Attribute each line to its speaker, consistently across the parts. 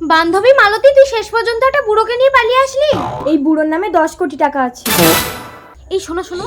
Speaker 1: বান্ধবী মালতী, তুই শেষ পর্যন্ত একটা বুড়োকে নিয়ে পালিয়ে আসলি।
Speaker 2: এই বুড়োর নামে 10 কোটি টাকা আছে।
Speaker 1: এই শোনো শোনো,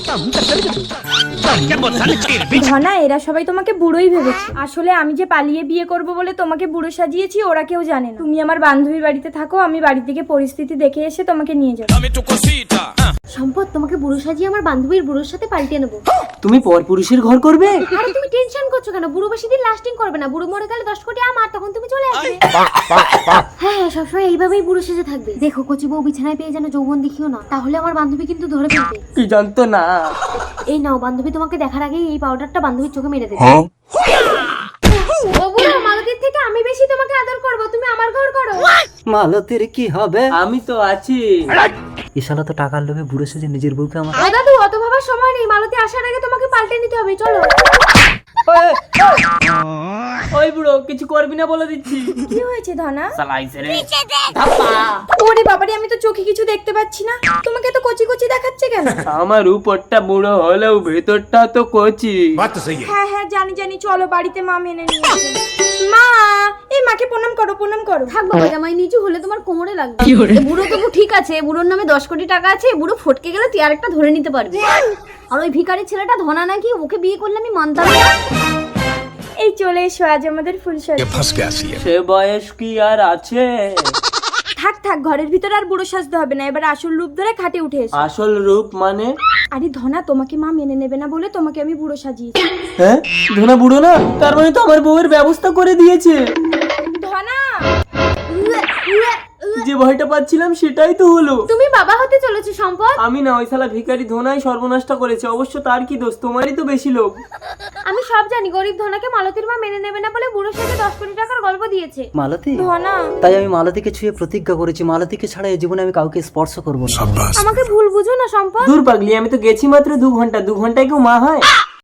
Speaker 2: ধনা, এরা সবাই তোমাকে বুড়োই ভেবেছে। আসলে আমি যে পালিয়ে বিয়ে করব বলে তোমাকে বুড়ো সাজিয়েছি, ওরা কেউ জানে না। তুমি আমার বান্ধবীর বাড়িতে থাকো, আমি বাড়ি থেকে পরিস্থিতি দেখে এসে তোমাকে নিয়ে যাবো।
Speaker 1: সম্পদ, তোমাকে বুড়ো সাজিয়ে আমার বান্ধবীর বুড়োর সাথে পাল্টে নেবো।
Speaker 3: তুমি পরপুরুষের ঘর করবে?
Speaker 1: আরে তুমি টেনশন করছো কেন? বুড়ো বেশি দিন লাস্টিং করবে না। বুড়ো মরে গেলে 10 কোটি আমার, তখন তুমি চলে আসবে। হ্যাঁ, সবসময় এইভাবেই বুড়ো সেজে থাকবে। দেখো, কচি বউ বিছানায় পেয়ে যেন যৌবন দেখিও না, তাহলে আমার বান্ধবী কিন্তু ধরে ফেলবে।
Speaker 3: কি জানতো না।
Speaker 1: এই নাও, বান্ধবী তোমাকে দেখার আগেই এই পাউডারটা বান্ধবীর চোখে মেরে দেবে। ও বুড়ো, মালতীর থেকে আমি বেশি তোমাকে আদর করব, তুমি আমার ঘর করো।
Speaker 3: মালতীর কি হবে? আমি তো আছি। এই শালা তো টাকার লোভে বুড়ো সেজে নিজের বউকে আমার।
Speaker 1: ও দাদু, অত ভাবার সময় নেই। মালতী আসার আগে তোমাকে পাল্টে নিতে হবে, চলো।
Speaker 3: ওই বুড়ো, কিছু করবি না বলে দিচ্ছি।
Speaker 2: কি হয়েছে ধনা?
Speaker 3: শালা আইছে রে।
Speaker 2: ওরে বাবারে, আমি তো চোখে কিছু দেখতে পাচ্ছি না। তোমাকে তো কচি কচি দেখাচ্ছে কেন?
Speaker 3: আমার উপরটা বুড়ো হলেও ভেতরটা তো কচি।
Speaker 2: হ্যাঁ হ্যাঁ, জানি জানি, চলো বাড়িতে মা মেনে নিয়েছে। মা, এই মাকে প্রণাম করো, প্রণাম করো।
Speaker 1: থাক বাবা, জামাই নিচু হলে তোমার কোমরে লাগবে। এ বুড়ো তবু ঠিক আছে, বুড়োর নামে 10 কোটি টাকা আছে। বুড়ো ফটকে গেলে তুই আরেকটা ধরে নিতে পারবি। আর ওই ভিখারি ছেলেটা ধনা নাকি, ওকে বিয়ে করলে আমি মানতাম না।
Speaker 2: এই চলে এসো, আজ আমাদের ফুলসজ্জা।
Speaker 3: সে বয়স কি আর আছে?
Speaker 2: থাক থাক, ঘরের ভিতরে আর বুড়ো সাজতে হবে না। এবার আসল রূপ ধরে খাটে উঠে এসো।
Speaker 3: আসল রূপ মানে?
Speaker 2: আরে ধনা, তোমাকে মা মেনে নেবে না বলে তোমাকে আমি বুড়ো সাজিয়েছি।
Speaker 3: হ্যাঁ, ধনা বুড়ো না, তার মানে তো আমার বউয়ের ব্যবস্থা করে দিয়েছে।
Speaker 2: ধনা,
Speaker 3: যে ভয়টা পাচ্ছিলাম সেটাই তো হলো।
Speaker 1: তুমি বাবা হতে চলেছো সম্পদ।
Speaker 3: আমি না, ওই শালা ভিখারি ধনাই সর্বনাশটা করেছে। অবশ্য তার কি দোষ? তোমারই তো বেশি লোক।
Speaker 1: আমি সব জানি, গরিব ধনাকে মালতীর মা মেনে নেবে না বলে বুড়োর সাথে 10 কোটি টাকার গল্প দিয়েছে।
Speaker 3: মালতী,
Speaker 2: ধনা,
Speaker 3: তাই আমি মালতীকে ছুঁয়ে প্রতিজ্ঞা করেছি, মালতীকে ছাড়া এই জীবনে আমি কাউকে স্পর্শ করবো না।
Speaker 1: আমাকে ভুল বুঝো না সম্পদ।
Speaker 3: দূর পাগলি, আমি তো গেছি মাত্র 2 ঘন্টা। 2 ঘন্টায় কেউ মা হয়?